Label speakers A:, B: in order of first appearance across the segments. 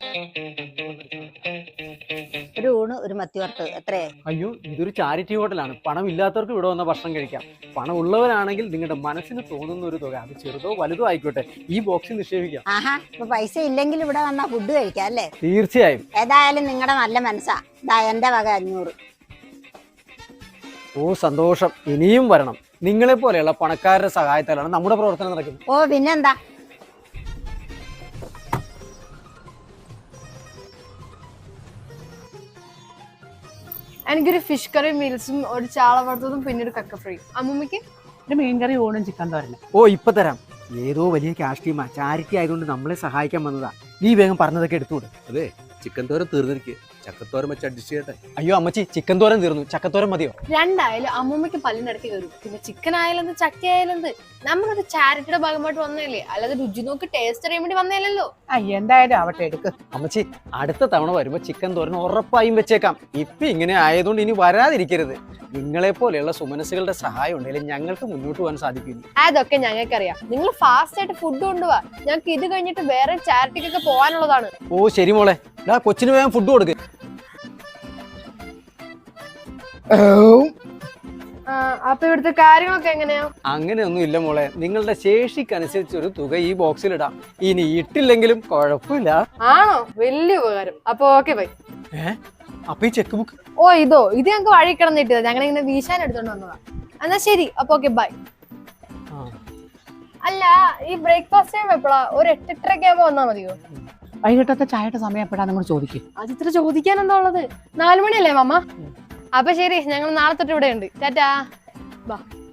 A: ഒരു ഊണ് ഒരു മത്തി വറുത്ത് എത്രയായി?
B: അയ്യോ, ഇതൊരു ചാരിറ്റി ഹോട്ടലാണ്. പണം ഇല്ലാത്തവർക്ക് ഇവിടെ വന്ന ഭക്ഷണം കഴിക്കാം. പണം ഉള്ളവരാണെങ്കിൽ നിങ്ങളുടെ മനസ്സിന് തോന്നുന്ന ഒരു തുക, അത് ചെറുതോ വലുതോ ആയിക്കോട്ടെ, ഈ ബോക്സിൽ നിക്ഷേപിക്കാം.
A: ആഹാ, ഇപ്പൊ പൈസ ഇല്ലെങ്കിൽ ഇവിടെ വന്നാ ഫുഡ് കഴിക്കാം അല്ലേ?
B: തീർച്ചയായും.
A: ഏതായാലും നിങ്ങളുടെ നല്ല മനസ്സാ. ദാ എന്റെ വക 500.
B: ഓ സന്തോഷം, ഇനിയും വരണം. നിങ്ങളെ പോലെയുള്ള പണക്കാരുടെ സഹായത്താലാണ് നമ്മുടെ പ്രവർത്തനം നടക്കുന്നത്.
A: ഓ പിന്നെന്താ.
C: എനിക്കൊരു ഫിഷ് കറി മീൽസും ഒരു ചാള വറുത്തതും പിന്നെ ഒരു കക്ക ഫ്രൈ. അമ്മൂമ്മക്ക്
D: ഒരു മീൻകറി ഊണും ചിക്കൻ തോരനും.
B: ഓ ഇപ്പൊ തരാം. ഏതോ വലിയ ക്യാഷ് ടീമാ, ചാരിറ്റി ആയതുകൊണ്ട് നമ്മളെ സഹായിക്കാൻ വന്നതാ. നീ വേഗം പറഞ്ഞതൊക്കെ എടുത്തുകൂടെ?
E: അതെ, ചിക്കൻ തോരൻ തീർന്നിരിക്കുക, ചക്കത്തോരൻ വെച്ച് അഡ്ജസ്റ്റ് ചെയ്യട്ടെ.
B: അയ്യോ അമ്മച്ചി, ചിക്കൻ തോരൻ തീർന്നു, ചക്കത്തോരൻ മതിയോ?
C: രണ്ടായാലും അമ്മൂമ്മക്ക് പല്ലിനടക്കി കയറും. പിന്നെ ചിക്കൻ ആയാലെന്ത് ചക്ക ആയാലെന്ത്, നമ്മളൊരു ചാരിറ്റിയുടെ ഭാഗമായിട്ട് വന്നതല്ലേ, അല്ലാതെ രുചി നോക്കി ടേസ്റ്റ് അറിയാൻ വേണ്ടി വന്നതല്ലോ.
D: എന്തായാലും ആവട്ടെ, എടുക്ക്.
B: അമ്മച്ചി, അടുത്ത തവണ വരുമ്പോ ചിക്കൻ തോരൻ ഉറപ്പായും വെച്ചേക്കാം. ഇപ്പൊ ഇങ്ങനെ ആയതുകൊണ്ട് ഇനി വരാതിരിക്കരുത്. നിങ്ങളെ പോലെയുള്ള സുമനസ്സുകളുടെ സഹായം ഉണ്ടെങ്കിൽ ഞങ്ങൾക്ക് മുന്നോട്ട് പോകാൻ സാധിക്കില്ല.
C: അതൊക്കെ ഞങ്ങൾക്കറിയാം. നിങ്ങൾ ഫാസ്റ്റ് ആയിട്ട് ഫുഡ് കൊണ്ടുപോവാ, ഞങ്ങൾക്ക് ഇത് കഴിഞ്ഞിട്ട് വേറെ ചാരിറ്റിക്കൊക്കെ പോകാനുള്ളതാണ്.
B: ഓ ശരി മോളെ, കൊച്ചിന് വേഗം ഫുഡ് കൊടുക്ക്.
C: അപ്പൊ ഇവിടുത്തെ കാര്യങ്ങളൊക്കെ എങ്ങനെയാ?
B: അങ്ങനെയൊന്നും ഇല്ല മോളെ, നിങ്ങളുടെ ശേഷിക്കനുസരിച്ച് ഒരു തുക ഈ ബോക്സിൽ ഇടാം. ഇനി ഇട്ടില്ലെങ്കിലും കുഴപ്പമില്ല.
C: ആണോ? വലിയ ഉപകാരം. അപ്പൊ ഓക്കെ ബൈ.
B: അപ്പൊ ഈ ചെക്ക് ബുക്ക്?
C: ഓ ഇത് ഞങ്ങൾക്ക് വഴി കിടന്നിട്ടത്, ഞങ്ങൾ ഇങ്ങനെ വീശാൻ എടുത്തോണ്ട് വന്നതാ. എന്നാ ശരി, അപ്പൊ ഓക്കെ ബൈ. അല്ല, ഈ ബ്രേക്ക്ഫാസ്റ്റ് ടൈം എപ്പോഴാ? ഒരു 8-8:30 ആകുമ്പോ വന്നാ മതിയോ?
D: വൈകിട്ടത്തെ ചായയുടെ സമയം എപ്പോഴാണ് നിങ്ങൾ ചോദിക്കും?
C: അത് ഇത്ര ചോദിക്കാൻ എന്താ ഉള്ളത്? 4 മണിയല്ലേ മാമ? അപ്പൊ ശരി, ഞങ്ങൾ നാളെ തൊട്ട് ഇവിടെ ഉണ്ട്. ടാറ്റാ, ബാ.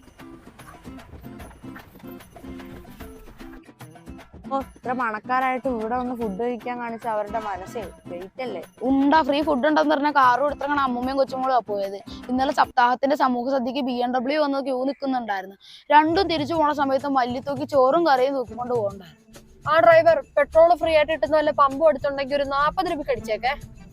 F: ഓ, ഇത്ര പണക്കാരായിട്ട് ഇവിടെ വന്ന് ഫുഡ് കഴിക്കാൻ കാണിച്ച അവരുടെ മനസ്സേ വെയിറ്റ് അല്ലേ.
G: ഉണ്ടാ ഫ്രീ ഫുഡ് ഉണ്ടെന്ന് പറഞ്ഞ കാറും എടുത്തങ്ങനെ അമ്മൂമ്മയും കൊച്ചുമോളും പോയത്. ഇന്നലെ സപ്താഹത്തിന്റെ സമൂഹ സദ്യക്ക് BMW വന്ന് ക്യൂ നിൽക്കുന്നുണ്ടായിരുന്നു. രണ്ടും തിരിച്ചു പോണ സമയത്ത് മല്ലിത്തൂക്കി ചോറും കറിയും തൂക്കിക്കൊണ്ട് പോകണ്ടായിരുന്നു.
C: ആ ഡ്രൈവർ പെട്രോൾ ഫ്രീ ആയിട്ട് കിട്ടുന്ന വല്ല പമ്പും എടുത്തുണ്ടെങ്കിൽ ഒരു 40 രൂപ അടിച്ചേക്കെ.